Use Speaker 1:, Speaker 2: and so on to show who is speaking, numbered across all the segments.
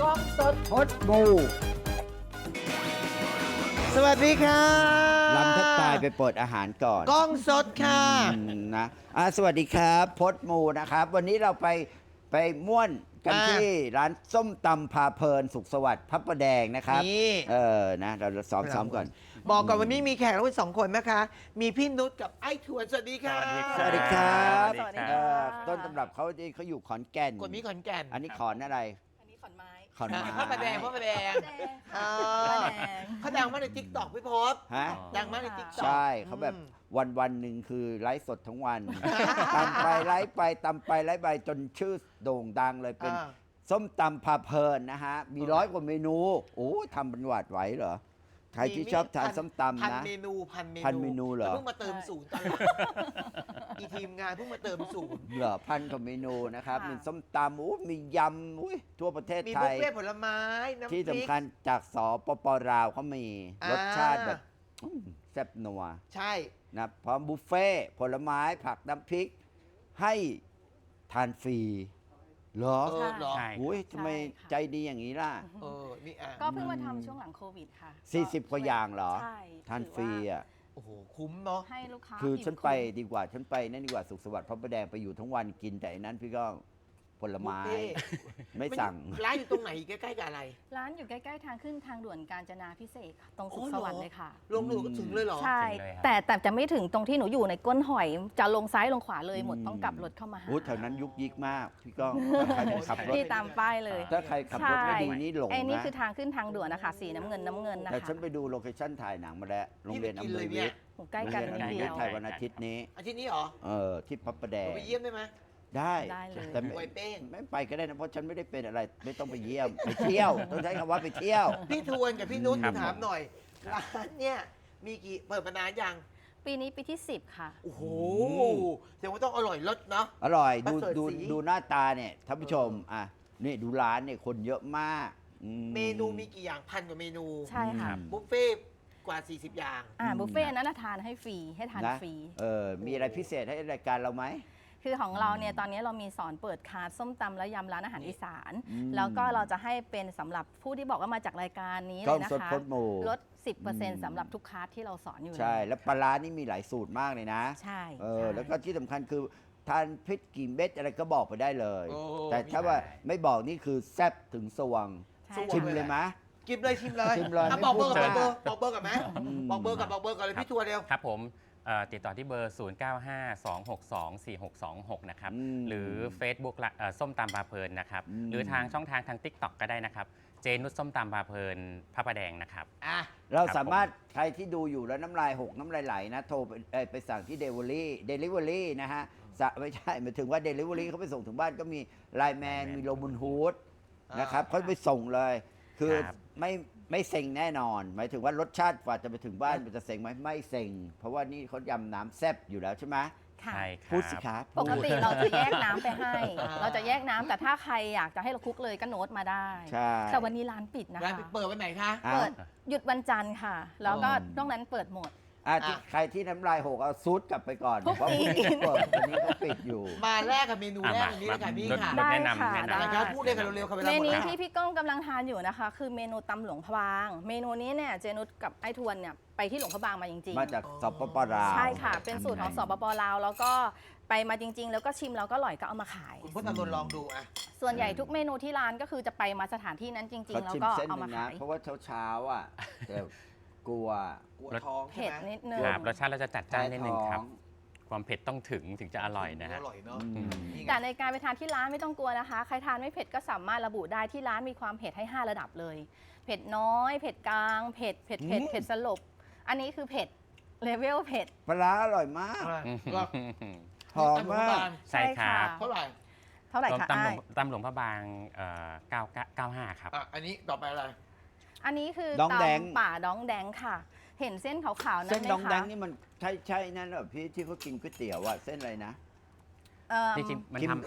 Speaker 1: กล้องสด
Speaker 2: พดมู
Speaker 1: สวัสดีค่ะ
Speaker 2: ลำทับตายไปเปิดอาหารก่อน
Speaker 1: กล้องสดค่ะ
Speaker 2: นะสวัสดีครับพดมูนะครับ วันนี้เราไปม่วนกันที่ร้านส้มตำพาเพลินสุขสวัสดิ์พระประแดงนะครับ
Speaker 1: นี่
Speaker 2: นะเราซ้อมก่อน
Speaker 1: บอกก่อนวันนี้มีแขกรับเชิญ2 คนนะคะ มีพี่นุชกับไอ้ทวนสวัสดีค่ะ
Speaker 2: สวัสดีครับ
Speaker 3: สวัสดีค่ะ
Speaker 2: ต้นตำรับเขาอยู่ขอนแก่น
Speaker 1: คนนี้ขอนแก่น
Speaker 2: อันนี้ขอนอะไร
Speaker 3: อันนี้ขอนไม้
Speaker 2: ขอนไม้
Speaker 1: พระประแดงพระประแดง
Speaker 3: แดง
Speaker 1: เอ
Speaker 3: ค่ะ
Speaker 1: อ
Speaker 3: แดง
Speaker 1: เขาดังมากในทิกตอกพี่พศ
Speaker 2: ฮะ
Speaker 1: ดังมากในทิกตอก
Speaker 2: ใช่เขาแบบวันหนึ่งคือไลฟ์สดทั้งวัน ตำไปไลฟ์ไปตำไปไลฟ์ไปจนชื่อโด่งดังเลยเป็นส้มตำพาเพลินนะฮะ มี100 กว่าเมนู โอ้ทำเป็นหวาดไหวเหรอ ใครที่ชอบทานส้มตำ
Speaker 1: พัน
Speaker 2: นะ
Speaker 1: เมนู
Speaker 2: พันเมนูเหรอ
Speaker 1: เพิ่งมาเติมศูนย์ตอนอีทีมงานเพิ่งมาเติมศูนย์
Speaker 2: เหรอ1,000 กว่าเมนูนะครับ
Speaker 3: ค่ะ
Speaker 2: มีส้มตำโอ้มียำอุ้ยทั่วประเทศ
Speaker 1: มี
Speaker 2: ไท
Speaker 1: บุฟ
Speaker 2: ย
Speaker 1: เฟ่ต์ผลไม้น้ำพ
Speaker 2: ที่
Speaker 1: ริก
Speaker 2: สำคัญจากสปปลาวเขามี
Speaker 1: อ่าร
Speaker 2: รสชาติแบบแซ่บนัว
Speaker 1: ใช่
Speaker 2: นะพร้อมบุฟเฟ่ต์ผลไม้ผักน้ำพริก ให้ทานฟรีเหรอ
Speaker 1: เออเหรอ
Speaker 3: ใช่
Speaker 2: อุ้ยทำไม
Speaker 3: ใช่ค่ะ
Speaker 2: ใจดีอย่างนี้ล่ะ
Speaker 1: เออนี่อ่ะ
Speaker 3: ก็เพิ่งมาทำช่วงหลังโควิดค่ะ
Speaker 2: 40 กว่าอย่างเหรอ
Speaker 3: ใช่
Speaker 2: ทานฟรีอ่ะ
Speaker 1: โอ้โหคุ้มเนาะ
Speaker 3: ให้ลูกค้า
Speaker 2: คือฉันไป
Speaker 3: อิ่ม
Speaker 2: ดีกว่า ฉันไปนั่นดีกว่าสุขสวัสดิ์พระประแดงไปอยู่ทั้งวันกินแต่อันนั้นพี่ก็ผลไม้
Speaker 1: บุฟเฟ่ต์
Speaker 2: ไม่สั่ง
Speaker 1: ร้านอยู่ตรงไหนใกล้ๆกับอะไร
Speaker 3: ร้านอยู่ใกล้ๆทางขึ้นทางด่วนกาญจนาพิเศษกค่ะตรงสุข
Speaker 1: อ๋อ
Speaker 3: ส
Speaker 1: เหรอ
Speaker 3: วัสดิ์เลยค่ะ
Speaker 1: ลงหนูก็ถึงเลยเหรอ
Speaker 3: ใช่
Speaker 4: ถึงเลยครับ
Speaker 3: แต่จะไม่ถึงตรงที่หนูอยู่ในก้นหอย จะลงซ้ายลงขวาเลยหมดต้องกลับรถเข้ามาหา
Speaker 2: อู้แถวนั้นยุกยิกมาก พี่ก้องถ้าใครไม่ขับรถ
Speaker 3: ที่ตามป้ายเลย
Speaker 2: ถ้าใครขับรถไม่ดีนี่หลง
Speaker 3: ไอ้นี่
Speaker 2: นะ
Speaker 3: คือทางขึ้นทางด่วนนะคะสีน้ำเงินนะ
Speaker 2: แต่
Speaker 3: คะ
Speaker 2: ฉันไปดูโลเคชั่นถ่ายหนังมาแล้วโรงเรียนอำนวยวิทย์
Speaker 3: โอ้ใกล้กัน
Speaker 2: โรง
Speaker 3: นิด
Speaker 2: เรียนอำนวย
Speaker 3: เดี
Speaker 2: วิ
Speaker 3: ย
Speaker 2: ท
Speaker 3: ว
Speaker 2: ย์ถ่ายวันอาทิตย์นี้
Speaker 1: อาทิตย์นี้เหรอ
Speaker 2: ที่พระประแด
Speaker 1: เรา
Speaker 2: ง
Speaker 1: ไปเยี่ยมได้ไหม
Speaker 2: ได้
Speaker 3: ได้เลย
Speaker 2: แต่ไม่
Speaker 1: ไวเป้ง
Speaker 2: ไม่ไปก็ได้นะเพราะฉันไม่ได้เป็นอะไร ไม่ต้องไปเยี่ยมไปเที่ยว ต้องใช้คำว่าไปเที่ยว
Speaker 1: พี่ทวนกับพี่นุช
Speaker 4: ครับ
Speaker 1: ถามหน่อย ร้านเนี่ยมีกี่เปิดมานานยัง
Speaker 3: ปีนี้ปีที่ 10 ค่ะ
Speaker 1: โอ้โหแสดงว่าต้องอร่อยรสเนาะ
Speaker 2: อร่อย
Speaker 1: ประเสริฐ
Speaker 2: ดู
Speaker 1: ศรี
Speaker 2: ดูหน้าตาเนี่ยท่านผู้ชมนี่ดูร้านเนี่ยคนเยอะมากอื
Speaker 1: เมนูมีกี่อย่าง1,000 กว่าเมนู
Speaker 3: ใช่ค่ะ
Speaker 1: บุฟเฟ่ต์กว่า 40 อย่าง
Speaker 3: บุฟเฟ่ต์นั้นนะทานให้ฟรีให้ทาน
Speaker 2: นะ
Speaker 3: ฟรี
Speaker 2: มีอะไรพิเศษให้รายการเราไหม
Speaker 3: คือของเราเนี่ยตอนนี้เรามีสอนเปิดคลาสส้มตำและยำร้านอาหารอีสาน
Speaker 2: อืม
Speaker 3: แล้วก็เราจะให้เป็นสำหรับผู้ที่บอกว่ามาจากรายการนี้
Speaker 2: ก
Speaker 3: เล
Speaker 2: ล้อง
Speaker 3: ยนะ
Speaker 2: สด
Speaker 3: คะ
Speaker 2: พดหมู่
Speaker 3: ลด 10%สำหรับทุกคลาสที่เราสอนอยู่
Speaker 2: ใช่ แล้วปลาร้านี่มีหลายสูตรมากเลยนะ
Speaker 3: ใช่
Speaker 2: ใช่
Speaker 3: ใช่
Speaker 2: แล้วก็ที่สำคัญคือทานพริกกี่เม็ดอะไรก็บอกไปได้เลย
Speaker 1: โอ้
Speaker 2: แต่ถ้าว่าไม่บอกนี่คือแซ่บถึงสวง
Speaker 3: ใช่
Speaker 2: ชิมเลยไหม
Speaker 1: กินเลยชิมเลย
Speaker 2: ชิมเลย
Speaker 1: อ่ะ
Speaker 2: ไม่
Speaker 1: บอกเบอร์
Speaker 2: พูด
Speaker 1: บอกเบอร์กับไหม
Speaker 2: อืม
Speaker 1: บอกเบอร์กับเลยพี่ทวนเร็ว
Speaker 4: ครับผมติดต่อที่เบอร์ 0952624626 นะครับ
Speaker 2: อืม
Speaker 4: หรือ Facebook ละส้มตำปลาเพลินนะครับ
Speaker 2: อืม
Speaker 4: หรือทางช่องทางทาง TikTok ก็ได้นะครับ เจนุชส้มตำปลาเพลินพระประแดงนะครับ
Speaker 1: อ่ะ
Speaker 2: เราสามารถใครที่ดูอยู่แล้วน้ำลายหกน้ำลายไหลนะ โทรไปสั่งที่เดลิเวอรี่นะฮะไม่ใช่หมายถึงว่าเดลิเวอรี่เขาไปส่งถึงบ้านก็มีไลแมน
Speaker 4: Lineman
Speaker 2: มีโรบุนฮูด
Speaker 1: อ่าน
Speaker 2: นะครับเขาไปส่งเลย คือ
Speaker 4: ครับ
Speaker 2: ไม่เซ็งแน่นอน หมายถึงว่ารสชาติกว่าจะไปถึงบ้านมันจะเซ็งไหมไม่เซ็ง เพราะว่านี่เขายำน้ำแซ่บอยู่แล้วใช่ไหม
Speaker 3: ค่ะ
Speaker 4: ใช่ค
Speaker 2: พูด
Speaker 4: รั
Speaker 2: สิ
Speaker 4: บ
Speaker 2: ครับ
Speaker 3: ปกติเราจะแยกน้ำไปให้
Speaker 1: อ่า
Speaker 3: เราจะแยกน้ำแต่ถ้าใครอยากจะให้เราคลุกเลยก็โน้ตมาได้
Speaker 2: ใช่
Speaker 3: แต่วันนี้ร้านปิดนะ
Speaker 1: ร้าน
Speaker 3: คะ
Speaker 1: เปิดวันไหนคะ
Speaker 2: อ่ะ
Speaker 3: เปิดหยุดวันจันทร์ค่ะ แล้วก็
Speaker 2: อ๋อ
Speaker 3: นอกนั้นเปิดหมด
Speaker 2: ที่ใครที่น้ำลายหกเอาซูดกลับไปก่อน
Speaker 3: พรุ่ง
Speaker 2: เพราะ
Speaker 3: นี้
Speaker 2: เปิดวันนี้เขาปิดอยู่
Speaker 1: มาแรกกับเมนูแรกวันนี้เลยค่ะพี่ค่ะ
Speaker 3: ได้
Speaker 4: แนะนำ
Speaker 3: ค่ะ
Speaker 4: แนะนำ
Speaker 3: ได้
Speaker 1: นะครับพูดเลยค่ะเร็วๆค่ะเวลา
Speaker 3: เม
Speaker 1: หมด
Speaker 3: นู
Speaker 1: แล้ว
Speaker 3: ที่พี่ก้องกำลังทานอยู่นะคะ คือเมนูตำหลวงพระบาง เมนูนี้เนี่ยเจนุชกับไอ้ทวนเนี่ยไปที่หลวงพระบางมาจริง
Speaker 2: มาจากสปปลาว
Speaker 3: ใช่ค่ะ เป็นสูตรของสปปลาวแล้วก็ไปมาจริง ๆ แล้วก็ชิมแล้วก็อร่อยก็เอามาขาย
Speaker 1: คุณพจน์อานนท์ลองดูอ่ะ
Speaker 3: ส่วนใหญ่ทุกเมนูที่ร้านก็คือจะไปมาสถานที่นั้นจริง
Speaker 2: เขา
Speaker 3: ๆ แล้ว
Speaker 2: ชิม
Speaker 3: ก็
Speaker 2: เส้นห
Speaker 3: เอา
Speaker 2: นึ่
Speaker 3: มาง
Speaker 2: นะ
Speaker 3: ขาย
Speaker 2: เพราะว่าเช้าๆอ่ะแต่กลัว
Speaker 1: กลัวท้องใช่
Speaker 3: เผ็ด
Speaker 1: ไหม
Speaker 3: นิดนึง
Speaker 4: ครับรสชาติเราจะจัดจ้านนิดนึงครับ
Speaker 2: ท้อง
Speaker 4: ความเผ็ดต้องถึงจะอร่อยนะฮะ
Speaker 1: อร่อยเนาะ
Speaker 2: อืม
Speaker 1: นี่ไง
Speaker 3: แต่ในการไปทานที่ร้านไม่ต้องกลัวนะคะ ใครทานไม่เผ็ดก็สามารถระบุได้ที่ร้านมีความเผ็ดให้ 5 ระดับเลย เผ็ดน้อย เผ็ดกลาง เผ็ดสลบ อันนี้คือเผ็ดเลเวลเผ็ด
Speaker 2: ปลาร้าอร่อยมาก
Speaker 1: ก็
Speaker 2: หอมมาก
Speaker 4: ใช่ครับ
Speaker 1: เท่าไหร่
Speaker 3: เท่าไหร่คะ
Speaker 4: ตำหล
Speaker 3: อ้า
Speaker 4: วย งตำหลวงพระบาง95ครับ
Speaker 1: อ่ะอันนี้ต่อไปอะไร
Speaker 3: อันนี้คือ
Speaker 2: ดองแดง
Speaker 3: ตำป่าดองแดงค่ะ เห็นเส้นขาวๆนั่
Speaker 2: เส้
Speaker 3: น
Speaker 2: น
Speaker 3: ไหม
Speaker 2: ดองแด
Speaker 3: คะ
Speaker 2: งนี่มันใช่นั่นเหรอพี่ที่เขากินก๋วยเตี๋ยวอะเส้นอะไรนะ
Speaker 3: เอิ่ม
Speaker 4: จริงๆมัน
Speaker 2: คิม
Speaker 4: ท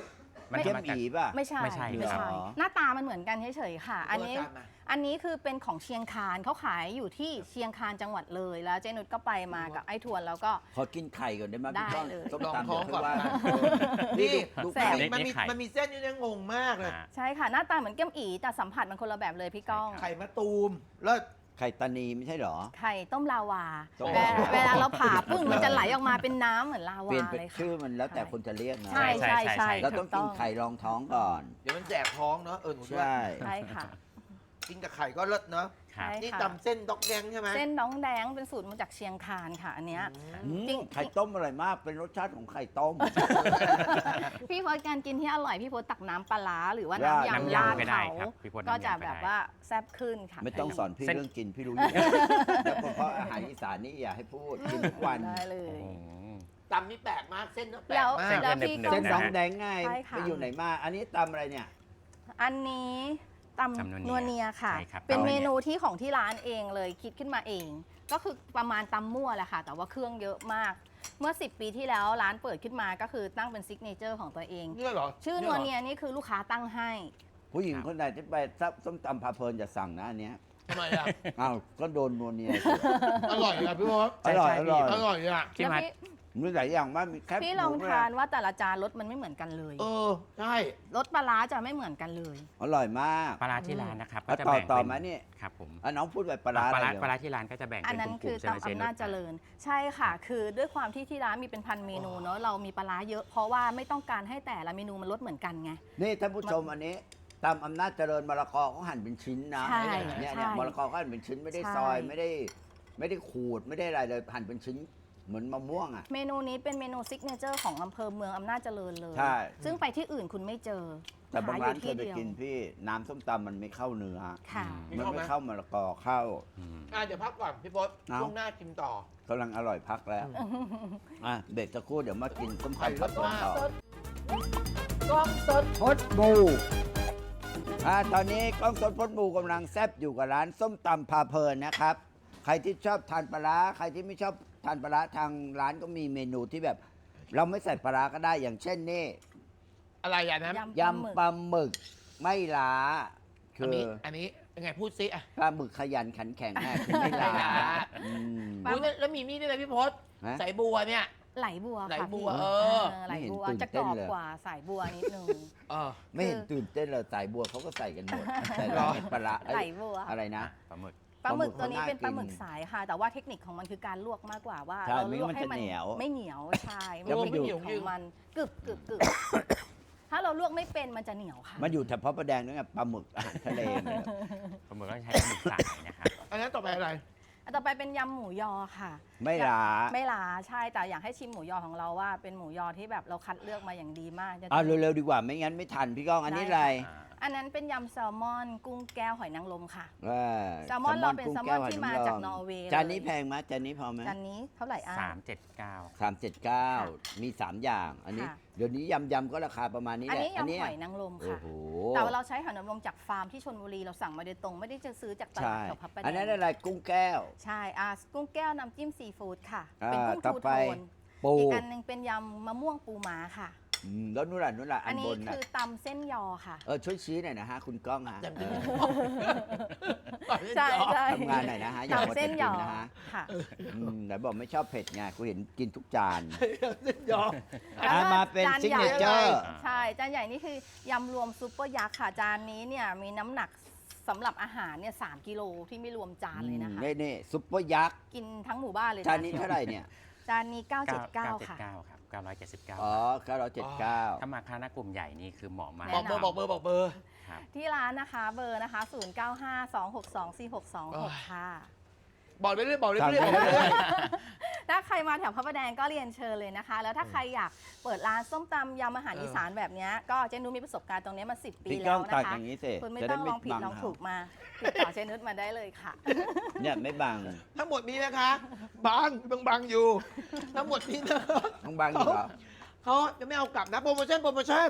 Speaker 4: มัน
Speaker 2: เข้ม
Speaker 4: ทำมาจาก
Speaker 2: อีป่ะ
Speaker 3: ไม่ใช่
Speaker 4: ไม่ใช่
Speaker 3: ไม่
Speaker 2: ครั
Speaker 3: ใช่
Speaker 2: บ
Speaker 3: หน้าตามันเหมือนกันเฉยๆค่ะ อันนี้
Speaker 1: ตัวจานมา
Speaker 3: อันนี้คือเป็นของเชียงคานเขาขายอยู่ที่เชียงคานจังหวัดเลยแล้วเจนุชก็ไปมากับไอ้ทวนแล้วก็
Speaker 2: ขอกินไข่ก่อนได้ไหม
Speaker 3: ได้
Speaker 2: พี่ก้อง
Speaker 3: เลย
Speaker 2: ส้ม
Speaker 1: ลอง
Speaker 2: ตำ
Speaker 1: ท้องก่อน
Speaker 2: เดี๋ยวค่ยว่า
Speaker 1: นะ
Speaker 2: นี่
Speaker 1: นี่
Speaker 2: ดู
Speaker 3: แสบ
Speaker 2: ไข่
Speaker 1: มันมีเส้นอยู่เนี่ยงงมากเลย
Speaker 4: อ่า
Speaker 3: ใช่ค่ะหน้าตาเหมือนเกี๊ยมอีแต่สัมผัสมันคนละแบบเลยพี่ก้อง
Speaker 4: ใช่ครับ
Speaker 1: ไข่มะตูมแล้ว
Speaker 2: ไข่ตานีไม่ใช่เหรอ
Speaker 3: ไข่ต้มลาวา
Speaker 2: ต้ม
Speaker 3: เว
Speaker 2: ลาวา
Speaker 3: เวลาเราผ่าปึ้งมันจะไหลออกมาเป็นน้ำเหมือนลา
Speaker 2: เปลี่
Speaker 3: วาย
Speaker 2: นเป็น
Speaker 3: เลยค่ะ
Speaker 2: ชื่อมันแล้วแต่คนจะเรียกนะ
Speaker 3: ใช่ใช่ใช่
Speaker 2: เราต้องกินไข่รองท้องก่อน
Speaker 1: เดี๋ยวมันแจกท้องเนาะหนูด้วย
Speaker 2: ใช่
Speaker 3: ใช่ค่ะ
Speaker 1: กินกับไข่ก็เลิศเนาะ
Speaker 4: ครับ
Speaker 3: ใช่
Speaker 1: นี่
Speaker 3: ค่ะ
Speaker 1: ตำเส้นด็อกแดงใช่ไหม
Speaker 3: เส้นน้องแดงเป็นสูตรมาจากเชียงคานค่ะ อันเนี้ย
Speaker 2: อืม
Speaker 3: จริง
Speaker 2: ไข่ต้มอร่อยมาก เป็นรสชาติของไข่ต้ม
Speaker 3: พี่พศการกินที่อร่อยพี่พศตักน้ำปลาร้าหรือว่า
Speaker 2: ราด
Speaker 3: น้ำ
Speaker 4: น้ำ
Speaker 3: ยำ
Speaker 4: ยำ
Speaker 3: ราด
Speaker 4: ก็ได้
Speaker 3: เขา
Speaker 4: ครับพี่พศ
Speaker 3: ก็จะ
Speaker 4: น้ำยำก็
Speaker 3: แบบ
Speaker 4: ได้
Speaker 3: ว่าแซ่บขึ้นค่ะ
Speaker 2: ไม่ต้องสอนพี่
Speaker 4: เส้น
Speaker 2: เรื่องกินพี่รู้อยู่ แล้วเพราะอาหารอีสานนี่อย่าให้พูดกินทุกวัน
Speaker 3: ได้เลย
Speaker 4: อืม
Speaker 1: ตำนี่แปลกมากเส้นก็แปลก
Speaker 3: แล้ว
Speaker 1: มาก
Speaker 4: เส้น
Speaker 3: แล้วพี่
Speaker 4: หนึบๆ
Speaker 3: ก็
Speaker 2: เส้น
Speaker 4: นะ
Speaker 2: น้องแดงไง
Speaker 3: ใช่ค่ะ
Speaker 2: ไปอยู่ไหนมา อันนี้ตำอะไรเนี่ย
Speaker 3: อันนี้ตำ
Speaker 4: ตำนั
Speaker 3: นัว
Speaker 4: วเนี
Speaker 3: เนี
Speaker 4: ย
Speaker 3: ยค่ะ
Speaker 4: ใช่ครับ
Speaker 3: เป็น
Speaker 4: ตำนัว
Speaker 3: เม
Speaker 4: เนีย
Speaker 3: นูที่ของที่ร้านเองเลยคิดขึ้นมาเอง ก็คือประมาณตำมั่วแหละค่ะ แต่ว่าเครื่องเยอะมาก เมื่อ 10 ปีที่แล้วร้านเปิดขึ้นมาก็คือตั้งเป็นซิกเนเจอร์ของตัวเอง
Speaker 1: เนี่ยเหรอ
Speaker 3: ชื่อนัวเนียนี่คือลูกค้าตั้งให้
Speaker 2: ผู้หญิงคนไหนที่ไปส้มตำพาเพลินจะสั่งนะอันเนี้ย
Speaker 1: ทำไมอ่ะ
Speaker 2: อ้าวก็โดนนัวเนีย
Speaker 1: อร่อยอ่ะพี่พศ
Speaker 2: อร่อย
Speaker 4: ใช่
Speaker 2: อร่อย
Speaker 1: อร่อยอ่ะ
Speaker 4: ที่
Speaker 3: แล้ว
Speaker 4: มา
Speaker 3: พี่
Speaker 2: มีหลายอย่างมากมีแคบ
Speaker 3: พี่ลอง
Speaker 2: หมู
Speaker 3: ทานว่าแต่ละจานรสมันไม่เหมือนกันเลย
Speaker 1: ใช่
Speaker 3: รสปลาร้าจะไม่เหมือนกันเลย
Speaker 2: อร่อยมาก
Speaker 4: ปลาร้าที่ร้านนะครับ
Speaker 2: อ่ะ
Speaker 4: ก็จะ
Speaker 2: ต่อ
Speaker 4: แบ่ง
Speaker 2: ต่อ
Speaker 4: เป็น
Speaker 2: มานี่
Speaker 4: ครับผม
Speaker 2: อ่ะน้องพูดแบบปลาร้า
Speaker 4: ปลา
Speaker 2: อะไร
Speaker 4: ร้า
Speaker 2: เดี๋ยว
Speaker 4: ปลาร้าที่ร้านก็จะแบ่ง
Speaker 3: อัน
Speaker 4: เป็น
Speaker 3: นั้น
Speaker 4: กลุ่
Speaker 3: คือ
Speaker 4: มๆใช่ไหม
Speaker 3: ตำ
Speaker 4: เจนุ
Speaker 3: อำนาจ
Speaker 4: ช
Speaker 3: เจริญ ใช่ค่ะ คือด้วยความที่ที่ร้านมีเป็นพันเมนูเนาะเรามีปลาร้าเยอะเพราะว่าไม่ต้องการให้แต่ละเมนูมันรสเหมือนกันไง
Speaker 2: นี่ท่านผู้ชมอันนี้ตามอำนาจเจริญมะละกอเขาหั่นเป็นชิ้นนะ
Speaker 3: ใช่
Speaker 2: เนี่ย
Speaker 3: ใช่
Speaker 2: เนี่ยมะละกอเขาหั่นเป็นชิ้นไม่ได้
Speaker 3: ใช่
Speaker 2: ซอยไม่ได้ขูดไม่ได้อะไรเลยหั่นเป็นชิ้นเหมือนมะม่วงอ่ะ
Speaker 3: เมนูนี้เป็นเมนูซิกเนเจอร์ของอำเภอเมืองอำนาจเจริญเลย
Speaker 2: ใช่
Speaker 3: ซึ่งไปที่อื่นคุณไม่เจอ
Speaker 2: แต่บางร้านเคยไป
Speaker 3: ดีว
Speaker 2: กินพี่น้ำส้มตำมันไม่เข้าเนื้อ
Speaker 3: ค่ะ
Speaker 2: มันไม่เข้ามะละกอเข้า
Speaker 4: อืม
Speaker 1: เดี๋ยวพักก่อนพี่พศ
Speaker 2: เอา
Speaker 1: ช่วงหน้ากินต่อก
Speaker 2: ำลังอร่อยพักแล้วอ่ะเบรกสักครู่เดี๋ยวมากินส้ม
Speaker 1: ไข่
Speaker 2: ตำ
Speaker 1: ร
Speaker 2: ผัด
Speaker 1: ส
Speaker 2: ต่
Speaker 1: มาก
Speaker 2: อ
Speaker 1: กล้องสด
Speaker 2: พดบูตอนนี้กล้องสดพดบูกำลังแซบอยู่กับร้านส้มตำพาเพลินนะครับ ใครที่ชอบทานปลาร้าใครที่ไม่ชอบทานปลาร้าทางร้านก็มีเมนูที่แบบ เราไม่ใส่ปลาร้าก็ได้อย่างเช่นนี่
Speaker 1: อะไรอ่ะนะ
Speaker 3: ยำ
Speaker 2: ยำปลาหมึกไม่ล้า คื
Speaker 1: อัน
Speaker 2: อ
Speaker 1: นี้อันนี้ยังไงพูดซิอ่ะ
Speaker 2: ปลาหมึกขยันขันแข็งแม่คือไม่ล้า
Speaker 1: ไม่ล้า
Speaker 2: อืม
Speaker 1: อุ๊ยแล้วมีนี่ด้วยนะพี่พศ
Speaker 2: ฮะ
Speaker 1: ใส่บัวเนี่ย
Speaker 3: ไหลบัว
Speaker 1: ไหล
Speaker 3: ค่ะ
Speaker 1: บัว
Speaker 3: พี่
Speaker 1: เออ
Speaker 3: ไหลบัว
Speaker 2: ไม่เห็นตื่น
Speaker 3: จะก
Speaker 2: เต้
Speaker 3: ร
Speaker 2: น
Speaker 3: อบ
Speaker 2: เลย
Speaker 3: กว่าสายบัวนิดนึง
Speaker 1: เออ
Speaker 2: ไม่เห็นตื่นเต้นเลยสายบัวเขาก็ใส่กันหมดแต่
Speaker 1: เหร
Speaker 2: ร้า
Speaker 1: อ
Speaker 2: นปลาร้าเอ้ย
Speaker 3: ไหลบัว
Speaker 2: อะไรนะ
Speaker 4: ปลาหมึก
Speaker 3: ปลาหมึก
Speaker 2: ปลาหมึก
Speaker 3: ตัวนี้เป็นปลาหมึก
Speaker 2: น่ากิน
Speaker 3: สายค่ะ แต่ว่าเทคนิคของมันคือการลวกมากกว่าว่า
Speaker 2: ใช่
Speaker 3: เรา
Speaker 2: ไม่
Speaker 3: ลวก
Speaker 2: งั้นมัน
Speaker 3: ให้
Speaker 2: จะ
Speaker 3: มัน
Speaker 2: เหนียว
Speaker 3: ไม่เหนียวใช่
Speaker 2: แล้
Speaker 3: มัน
Speaker 2: วมัน
Speaker 3: เทค
Speaker 2: อยู่
Speaker 3: นิคของมันกึบกึบกึบถ้าเราลวกไม่เป็นมันจะเหนียวค่ะ
Speaker 2: มันอยู่แถวพระประแดงด้วยไงปลาหมึกอาหารทะเลเนี่ย
Speaker 4: ปลาหมึกก็ใช้ปลาหมึกสายนะครับ
Speaker 1: อันนั้นต่อไปอะไร
Speaker 3: อันต่อไปเป็นยำหมูยอค่ะ
Speaker 2: ไม่ล้า
Speaker 3: ไม่ล้าใช่แต่อยากให้ชิมหมูยอของเราว่าเป็นหมูยอที่แบบเราคัดเลือกมาอย่างดีมากจะ
Speaker 2: เอาเร็วๆดีกว่าไม่งั้นไม่ทันพี่ก้องอันนี้อะไร
Speaker 3: อันนั้นเป็นยำแซลมอน กุ้งแก้วหอยนางรมค่ะ
Speaker 2: ว่า
Speaker 3: แซลมอนเราเป็น
Speaker 2: กุ้ง
Speaker 3: แซลม
Speaker 2: ก้
Speaker 3: อน
Speaker 2: วหย
Speaker 3: ที่มา
Speaker 2: ล
Speaker 3: จากนอร์เวย์
Speaker 2: จานนี้
Speaker 3: เลย
Speaker 2: แพงไหมจานนี้พอไหม
Speaker 3: จานนี้เท่าไหร่อ่ะ
Speaker 4: 379
Speaker 2: 379 มี 3 อย่าง อันนี้
Speaker 3: ค่ะ
Speaker 2: เดี๋ยวนี้ยำก็ราคาประมาณนี้
Speaker 3: อัน
Speaker 2: แหละ
Speaker 3: นี้ยำ
Speaker 2: เนี้
Speaker 3: หอยนางรม
Speaker 2: โอ้
Speaker 3: ค่ะ
Speaker 2: โห
Speaker 3: แต่ว่าเราใช้หอยนางรมจากฟาร์มที่ชลบุรีเราสั่งมาโดยตรงไม่ได้จะซื้อจากตลา
Speaker 2: ใช่
Speaker 3: ดแถวพับประ
Speaker 2: อันนั้น
Speaker 3: แดง
Speaker 2: อะไรกุ้งแก้ว
Speaker 3: ใช่กุ้งแก้วน้ำจิ้มซีฟู้ดค่ะ
Speaker 2: อ่า
Speaker 3: เป็นกุ้ง
Speaker 2: ต่อ
Speaker 3: ทู
Speaker 2: ไป
Speaker 3: โทน
Speaker 2: ปู
Speaker 3: อีกอันหนึงเป็นยำมะม่วงปูม้าค่ะ
Speaker 2: แล้วนู่นล่ะ
Speaker 3: อั
Speaker 2: อั
Speaker 3: น
Speaker 2: น
Speaker 3: นี้
Speaker 2: บนน่ะ
Speaker 3: คือตำเส้นยอค่ะ
Speaker 2: ช่วยชี้หน่อยนะฮะคุณก้องฮะ
Speaker 1: จำ
Speaker 2: เอ
Speaker 1: ได้
Speaker 2: อ
Speaker 3: ใช่
Speaker 2: ทำงานหน่อยนะฮะอย่ามัว
Speaker 3: ตำ
Speaker 2: แต่
Speaker 3: เส้น
Speaker 2: กิ
Speaker 3: ย
Speaker 2: น
Speaker 3: อ
Speaker 2: นะฮะ
Speaker 3: ค่ะ
Speaker 2: แต่บอกไม่ชอบเผ็ดไงกูเห็นกินทุกจาน
Speaker 1: เส้นยอ
Speaker 3: แล้วก็
Speaker 2: มาเป็น
Speaker 3: จาน
Speaker 2: ซิก
Speaker 3: ใหญ่
Speaker 2: เนเจอร์
Speaker 3: ใช่จานใหญ่นี่คือยำรวมซุปเปอร์ยักษ์ค่ะ จานนี้เนี่ยมีน้ำหนักสำหรับอาหารเนี่ย3 กิโลที่ไม่รวมจานเลยนะคะ
Speaker 2: นี่ซุปเปอร์ยักษ์
Speaker 3: กินทั้งหมู่บ้านเลยะ
Speaker 2: จานนี้เท่าไหร่เนี่ย
Speaker 3: จานนี้ 979 ค่ะ
Speaker 4: 979ครับ979
Speaker 2: อ๋อ979
Speaker 4: ถ้ามาคณะกลุ่มใหญ่นี่คือเหมาะมาก
Speaker 1: บอกเบอร์บอกเบอร์บอกเบอร์
Speaker 4: ครับ
Speaker 3: ที่ร้านนะคะเบอร์นะคะ 0952624626 ค่ะ
Speaker 1: บอกไปเรื่อยบอกไป
Speaker 2: สั่ง
Speaker 1: เรื่อย
Speaker 2: ได้
Speaker 1: บอกไป
Speaker 2: เล
Speaker 1: เรื่อย ย
Speaker 3: ถ้าใครมาแถวพระประแดงก็เรียนเชิญเลยนะคะ แล้วถ้าใครอยากเปิดร้านส้มตำยำอาหารอีสานแบบเนี้ยก็เจนุชมีประสบการณ์ตรงเนี้ยมา10 ปี
Speaker 2: พี่ก้
Speaker 3: แล้
Speaker 2: อ
Speaker 3: ว
Speaker 2: ง
Speaker 3: นะ
Speaker 2: ตัก
Speaker 3: คะ
Speaker 2: อย่างนี้สิ
Speaker 3: คุณไม่
Speaker 2: จะ
Speaker 3: ต้
Speaker 2: ได้
Speaker 3: องลองผิด
Speaker 2: บั
Speaker 3: ลอง
Speaker 2: เขา
Speaker 3: ถูกมาติดต่อเจนุชมาได้เลยค่ะ
Speaker 2: เนี่ยไม่บัง
Speaker 1: ทั้งหมดนี้นะคะบางอยู่ ทั้งหมดนี้นะ
Speaker 2: ต้องบังอยู่เหรอ
Speaker 1: เขาจะไม่เอากลับนะโปรโมชั่น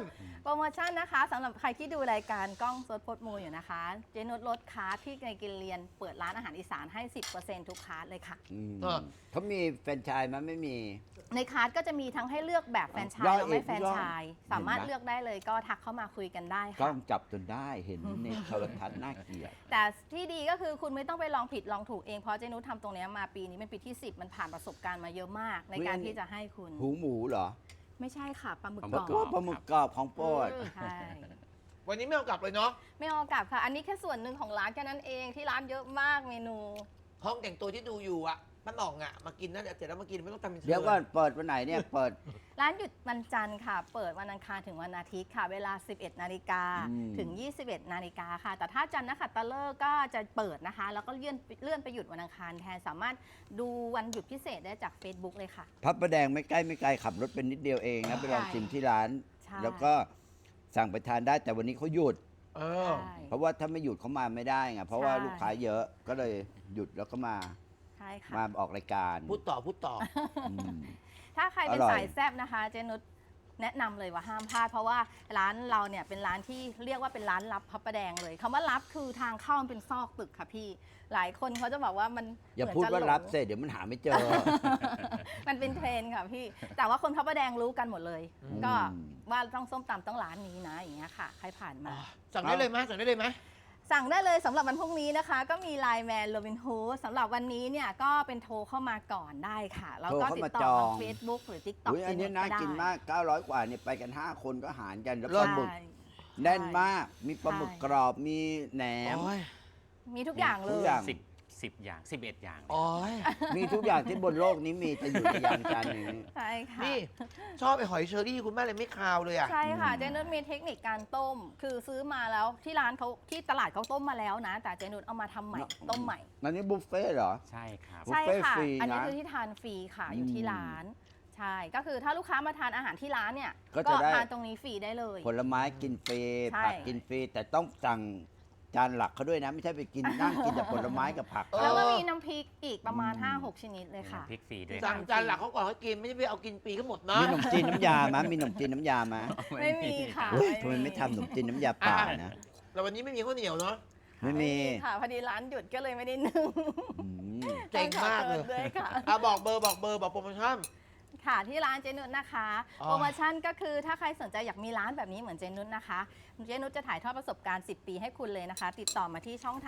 Speaker 3: โปรโมชั่นนะคะสำหรับใครที่ดูรายการกล้องสดพดมูอยู่นะคะ เจนุชลดคลาสที่ในกินเรียนเปิดร้านอาหารอีสานให้ 10% ทุกคลาสเลยค่ะ
Speaker 2: เขามีแฟรนไชส์มั้ยไม่มี
Speaker 3: ในคลาสก็จะมีทั้งให้เลือกแบบแฟรนไชส์
Speaker 2: ย่อย
Speaker 3: และไม่
Speaker 2: อีก
Speaker 3: แฟรนไชส์
Speaker 2: ย่อย
Speaker 3: สามารถ
Speaker 2: เห็นไหม
Speaker 3: เลือกได้เลยก็ทักเข้ามาคุยกันได้
Speaker 2: กล้
Speaker 3: ค่ะ
Speaker 2: องจับจนได้เห็นในโทรทัศน์น่าเกลียด
Speaker 3: แต่ที่ดีก็คือคุณไม่ต้องไปลองผิดลองถูกเองเพราะเจนุชทำตรงเนี้ยมาปีนี้เป็นปีที่ 10 มันผ่านประสบการณ์มาเยอะมาก ในการที่จะให้คุณ
Speaker 2: หูหมูเหรอ
Speaker 3: ไม่ใช่ค่ะปลาหมึก
Speaker 4: ปลาห
Speaker 3: ก
Speaker 4: มึ
Speaker 3: ร
Speaker 4: ก
Speaker 3: อบ
Speaker 2: ปลาหมึกกรอบของโปรด
Speaker 3: ใช่
Speaker 1: วันนี้ไม่เอากลับเลยเนาะ
Speaker 3: ไม่เอากลับค่ะ อันนี้แค่ส่วนหนึ่งของร้านแค่นั้นเองที่ร้านเยอะมากเมนู
Speaker 1: ห้องแต่งตัวที่ดูอยู่อะป้าหน่องอะมากินนะเดี๋ยวเสร็จแล้วมากินไม่ต้องทำเป็น
Speaker 2: เดี๋ยวก่อนเปิดวันไหนเนี่ยเปิด
Speaker 3: ร้านหยุดวันจันทร์ค่ะ เปิดวันอังคารถึงวันอาทิตย์ค่ะ เวลา 11 นาฬิกา
Speaker 2: อืม
Speaker 3: ถึง 21 นาฬิกาค่ะ แต่ถ้าจันทร์นักขัตฤกษ์ก็จะเปิดนะคะ แล้วก็เลื่อนไปหยุดวันอังคารแทน สามารถดูวันหยุดพิเศษได้จาก Facebook เลยค่ะ
Speaker 2: พระประแดงไม่ใกล้ไม่ไกลขับรถเป็นนิดเดียวเองนะไปลองชิมที่ร้าน
Speaker 3: ใช่
Speaker 2: แล้วก็สั่งไปทานได้แต่วันนี้เขาหยุด
Speaker 1: เออ
Speaker 3: ใช่
Speaker 2: เพราะว่าถ้าไม่หยุดเขามาไม่ได้ไงเพราะว่า
Speaker 3: ใช่
Speaker 2: ลูกค้าเยอะก็เลยหยุดแล้วก็มา
Speaker 3: ใช่ค่ะ
Speaker 2: มาออกรายการ
Speaker 1: พูดต่อ
Speaker 2: อืม
Speaker 3: ถ้าใครเป็น
Speaker 2: อร่อย
Speaker 3: สายแซ่บนะคะ เจนุชแนะนำเลยว่าห้ามพลาด เพราะว่าร้านเราเนี่ยเป็นร้านที่เรียกว่าเป็นร้านลับพระประแดงเลยคำว่าลับคือทางเข้ามันเป็นซอกตึกค่ะพี่ หลายคนเขาจะบอกว่ามัน
Speaker 2: อย่า
Speaker 3: เหมืน
Speaker 2: พูด
Speaker 3: จะ
Speaker 2: ว่า
Speaker 3: หลง
Speaker 2: รับเสร็จเดี๋ยวมันหาไม่เจอ
Speaker 3: มันเป็นเทรนด์ค่ะพี่ แต่ว่าคนพระประแดงรู้กันหมดเลย
Speaker 1: อืม
Speaker 3: ก็ว่าต้องส้มตำต้องร้านนี้นะอย่างเงี้ยค่ะ ใครผ่านมา
Speaker 1: สั่งได้เลยไหมสั่งได้เลยไหม
Speaker 3: สั่งได้เลยสำหรับวันพรุ่งนี้นะคะ ก็มีไลน์แมนโรบินฮูดสำหรับวันนี้เนี่ยก็เป็นโทรเข้ามาก่อนได้ค่ะ แล้วก็
Speaker 2: โทร
Speaker 3: ติ
Speaker 2: เข้า
Speaker 3: ด
Speaker 2: มา
Speaker 3: ต่อ
Speaker 2: จอง
Speaker 3: ทาง Facebook หรือ TikTok
Speaker 2: อุ๊ยอันนี้น่ากินมาก 900 กว่าเนี่ยไปกัน 5 คนก็หารกันแล้วป
Speaker 1: เลิ
Speaker 2: ลา
Speaker 1: ศ
Speaker 2: หมึก
Speaker 3: ใช่
Speaker 2: แน่นมาก มีปลาหมึก
Speaker 3: ใช่
Speaker 2: กรอบมีแหนม
Speaker 1: โอ้ย
Speaker 3: มีทุกอย่างเล
Speaker 2: ทุ
Speaker 3: ย
Speaker 2: กอย่าง
Speaker 4: 10 อย่าง 11 อย่าง
Speaker 1: โอ้ย
Speaker 2: มีทุกอย่างที่บนโลกนี้มีจะอยู่ในยานจานนี้
Speaker 3: ใช่ค่ะ
Speaker 1: นี่ชอบไอ้หอยเชอรี่คุณแม่เลยไม่คาวเลยอะ
Speaker 3: ใช่ค่ะเจนุชมีเทคนิคการต้ม คือซื้อมาแล้วที่ร้านเขาที่ตลาดเขาต้มมาแล้วนะ แต่เจนุชเอามาทำใหม่ต้มใหม่
Speaker 2: อันนี้บุฟเฟ่ต์เหรอ
Speaker 4: ใช่ครับ
Speaker 2: บุฟ
Speaker 3: ใช่
Speaker 2: เฟ่ต์
Speaker 3: ค่ะ
Speaker 2: ฟรี
Speaker 3: อันนี้
Speaker 2: นะ
Speaker 3: คือที่ทานฟรีค่ะอยู่ที่ร้าน ใช่ ก็คือถ้าลูกค้ามาทานอาหารที่ร้านเนี่ย
Speaker 2: ก็จะได้
Speaker 3: ทานตรงนี้ฟรีได้เลย
Speaker 2: ผลไม้กินฟรี
Speaker 3: ใช่
Speaker 2: ผักกินฟรี แต่ต้องสั่งจานหลักเขาด้วยนะ ไม่ใช่ไปกิน นั่งกินแต่ผลไม้กับผัก
Speaker 3: แล้วก็มีน้ำพริกอีกประมาณ 5-6 ชนิดเลยค่ะ
Speaker 4: พริกฟรีด้วย
Speaker 1: สั่งจานหลักเขาก่อนเขากินไม่ใช่ไปเอากินปีเขาหมดนะ
Speaker 2: มีขนมจีนน้ำยาไหมมีขนมจีนน้ำยาไหม
Speaker 3: ไม่มีค่ะ
Speaker 2: เฮ้ยทำไมไม่ทำขนมจีนน้ำยาเปล่านะ
Speaker 1: แต่วันนี้ไม่มีข้าวเหนียวเนาะ
Speaker 2: ไม่มี
Speaker 3: ค่ะพอดีร้านหยุดก็เลยไม่ได้นึ่ง
Speaker 2: อืม
Speaker 1: เจ๋งมากเลย
Speaker 3: ต้องขอโทษด้วยค่ะ
Speaker 1: บอกเบอร์บอกโปรโมชั่น
Speaker 3: ค่ะที่ร้านเจนุชนะคะ
Speaker 1: อ๋อ
Speaker 3: โปรโมชั่นก็คือถ้าใครสนใจอยากมีร้านแบบนี้เหมือนเจนุชนะคะเจนุชจะถ่ายทอดประสบการณ์ 10 ปีให้คุณเลยนะคะ ติดต่อมาที่ช่องทาง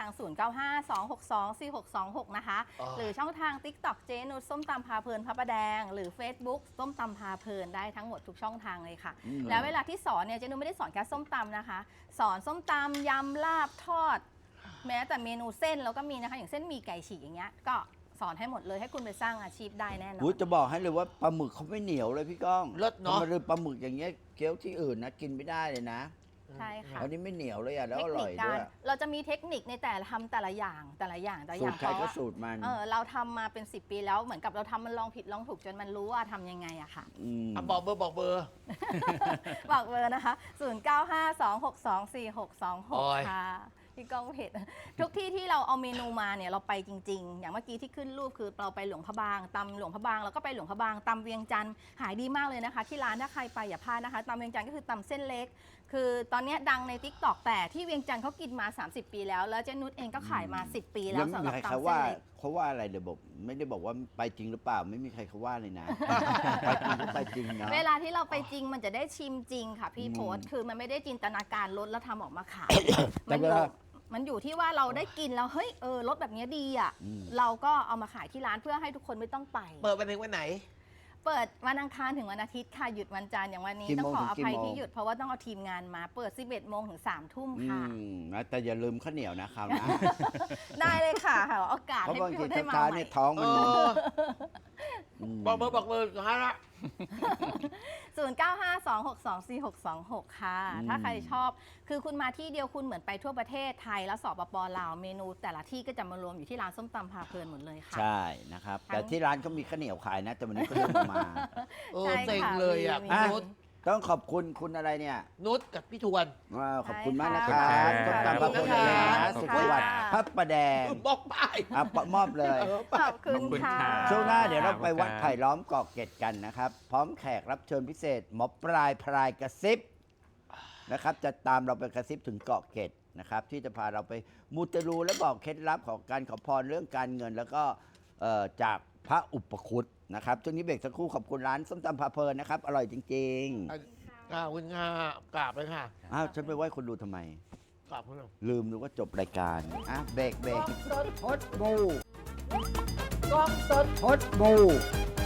Speaker 3: 0952624626 นะคะ หรือช่องทาง TikTok เจนุชส้มตำพาเพลินพระประแดง หรือ Facebook ส้มตำพาเพลินได้ทั้งหมดทุกช่องทางเลยค่ะ
Speaker 2: อืม
Speaker 3: แล้วเวลาที่สอนเนี่ยเจนุชไม่ได้สอนแค่ส้มตำนะคะ สอนส้มตำยำลาบทอด แม้แต่เมนูเส้นเราก็มีนะคะอย่างเส้นหมี่ไก่ฉีกอย่างเงี้ยก็สอนให้หมดเลยให้คุณไปสร้างอาชีพได้แน่นอน
Speaker 2: อุ๊ยจะบอกให้เลยว่าปลาหมึกเขาไม่เหนียวเลยพี่ก้อง
Speaker 1: เลิศเนอะ
Speaker 2: ทำไมเลยปลาหมึกอย่างเงี้ยเกี๊ยวที่อื่นนะกินไม่ได้เลยนะ
Speaker 3: ใช่ค่ะ
Speaker 2: อันนี้ไม่เหนียวเลยอ่ะแล้ว
Speaker 3: เท
Speaker 2: อ
Speaker 3: ค
Speaker 2: ร่
Speaker 3: นิ
Speaker 2: อย
Speaker 3: ค
Speaker 2: ด้
Speaker 3: กา
Speaker 2: วย
Speaker 3: รเราจะมีเทคนิคในแต่ละทำแต่ละอย่างแต่ละอย่าง
Speaker 2: สูตรใคร
Speaker 3: เพ
Speaker 2: ก็
Speaker 3: ราะว่า
Speaker 2: สูตรมัน
Speaker 3: เราทำมาเป็น 10 ปีแล้วเหมือนกับเราทำมันลองผิดลองถูกจนมันรู้ว่าทำยังไงอะค่ะ
Speaker 2: ม
Speaker 1: บอกเบอร์
Speaker 3: บอกเบอร์นะคะ
Speaker 1: โอ้ย
Speaker 3: 0952624626 ค่ะพี่ก้องเพจทุกที่ที่เราเอาเมนูมาเนี่ยเราไปจริง ๆ อย่างเมื่อกี้ที่ขึ้นรูปคือเราไปหลวงพระบางตำหลวงพระบางแล้วก็ไปหลวงพระบางตำเวียงจันทร์ขายดีมากเลยนะคะ ที่ร้านถ้าใครไปอย่าพลาดนะคะตำเวียงจันทร์ก็คือตำเส้นเล็ก คือตอนเนี้ยดังใน TikTok แต่ที่เวียงจันทร์เขากินมา 30 ปีแล้ว แล้วเจนุชเองก็ขายมา 10 ปีแล้ว
Speaker 2: ยัง
Speaker 3: สำ
Speaker 2: ไม่
Speaker 3: ห
Speaker 2: มี
Speaker 3: รับ
Speaker 2: ใครเขา
Speaker 3: ตำเส้
Speaker 2: ว่าน
Speaker 3: เล็ก
Speaker 2: เขาว่าอะไรเดี๋ยวบอกไม่ได้บอกว่าไปจริงหรือเปล่า ไม่มีใครเขาว่าเลยนะ ไปจริงก็ไปจริงเนาะ
Speaker 3: เวลาที่เราไปจริงมันจะได้ชิมจริงค่ะพี่
Speaker 2: อืม
Speaker 3: โพสต์คือมันไม่ได้จินตนาการรสแล้วทำออกมาขาย
Speaker 2: แต่
Speaker 3: มันอ
Speaker 2: เว
Speaker 3: ยู่
Speaker 2: ลา
Speaker 3: มันอยู่ที่ว่าเราได้กินแล้วเฮ้ยรสแบบเนี้ยดีอ่ะ
Speaker 2: อืม
Speaker 3: เราก็เอามาขายที่ร้านเพื่อให้ทุกคนไม่ต้องไป
Speaker 1: เปิดวันถึงวันไหน
Speaker 3: เปิดวันอังคารถึงวันอาทิตย์ค่ะหยุดวันจันทร์อย่างวันนี้
Speaker 2: กี่
Speaker 3: ต้อ
Speaker 2: โม
Speaker 3: ง
Speaker 2: ง
Speaker 3: ขออภัย
Speaker 2: ถึงกี่โมง
Speaker 3: ที่หยุดเพราะว่าต้องเอาทีมงานมาเปิด 11 โมงถึง 3 ทุ่ม
Speaker 2: อื
Speaker 3: ค่ะ
Speaker 2: มนะแต่อย่าลืมข้าวเหนียวนะคราวหนะ
Speaker 3: ได้เลยค่ะหาโอกาส
Speaker 2: เพราะ
Speaker 3: ให้
Speaker 2: บาง
Speaker 3: พี่
Speaker 2: ที
Speaker 3: ได้มา
Speaker 2: ช้า
Speaker 3: ให
Speaker 2: ๆ
Speaker 3: ม่
Speaker 2: เนี่ยท้อง
Speaker 1: เอ
Speaker 2: มัน
Speaker 1: อ
Speaker 2: ม
Speaker 1: บอกเบอร์สุดท้ายละ
Speaker 3: 0952624626 ค่ะ ถ้าใครชอบ คือคุณมาที่เดียวคุณเหมือนไปทั่วประเทศไทยและสปปลาวเมนูแต่ละที่ก็จะมารวมอยู่ที่ร้านส้มตำพาเพลินหมดเลยค่ะ
Speaker 2: ใช่นะครับ แต่ที่ร้านเขามีข้าวเหนียวขายนะ แต่วันนี้เขาเริ่มมา
Speaker 1: เออ
Speaker 3: ใช่
Speaker 1: เซ็ง
Speaker 3: ค่ะ
Speaker 1: เลยอ่ะ
Speaker 3: มี
Speaker 1: พี่
Speaker 2: อ่ะ
Speaker 1: นุช
Speaker 2: ต้องขอบคุณคุณอะไรเนี่ย
Speaker 1: นุชกับพี่ทวน
Speaker 2: ขอบคุณมากนะค
Speaker 3: ใช่
Speaker 2: รับ
Speaker 3: ค่ะ
Speaker 2: ต้มตำพระพลเลยนะ
Speaker 3: ขอบ
Speaker 2: สุ
Speaker 3: คุ
Speaker 2: ข
Speaker 3: ณ
Speaker 2: สวัสดิ์
Speaker 3: ค่ะ
Speaker 2: พระประแดง
Speaker 1: บอกป้าย
Speaker 2: อ่ะมอบเลย
Speaker 3: ขอบคุณ
Speaker 4: ขอบคุณ
Speaker 3: ค่ะ
Speaker 4: ค่ะ
Speaker 2: ช่วงหน้าเดี๋ยวเราไป
Speaker 4: ขอบคุณ
Speaker 2: วัด
Speaker 4: ครับ
Speaker 2: ไผ่ล้อมเกาะเกร็ดกันนะครับ พร้อมแขกรับเชิญพิเศษหมอปลายพรายกระซิบนะครับจะตามเราไปกระซิบถึงเกาะเกร็ดนะครับที่จะพาเราไปมูเตลูและบอกเคล็ดลับของการขอพรเรื่องการเงิน แล้วก็จากพระอุปคุตนะครับช่วงนี้เบรกสักครู่ขอบคุณร้านส้มตำพาเพลินนะครับอร่อยจริง
Speaker 1: คุณค่ะกราบเลยค่ะ
Speaker 2: ๆอ้าวฉันไปไหว้คนดูทำไม
Speaker 1: กราบคุณหน่อย
Speaker 2: ลืมดูว่าจบรายการเบรก
Speaker 1: สดพดบูกล้องสดพดบู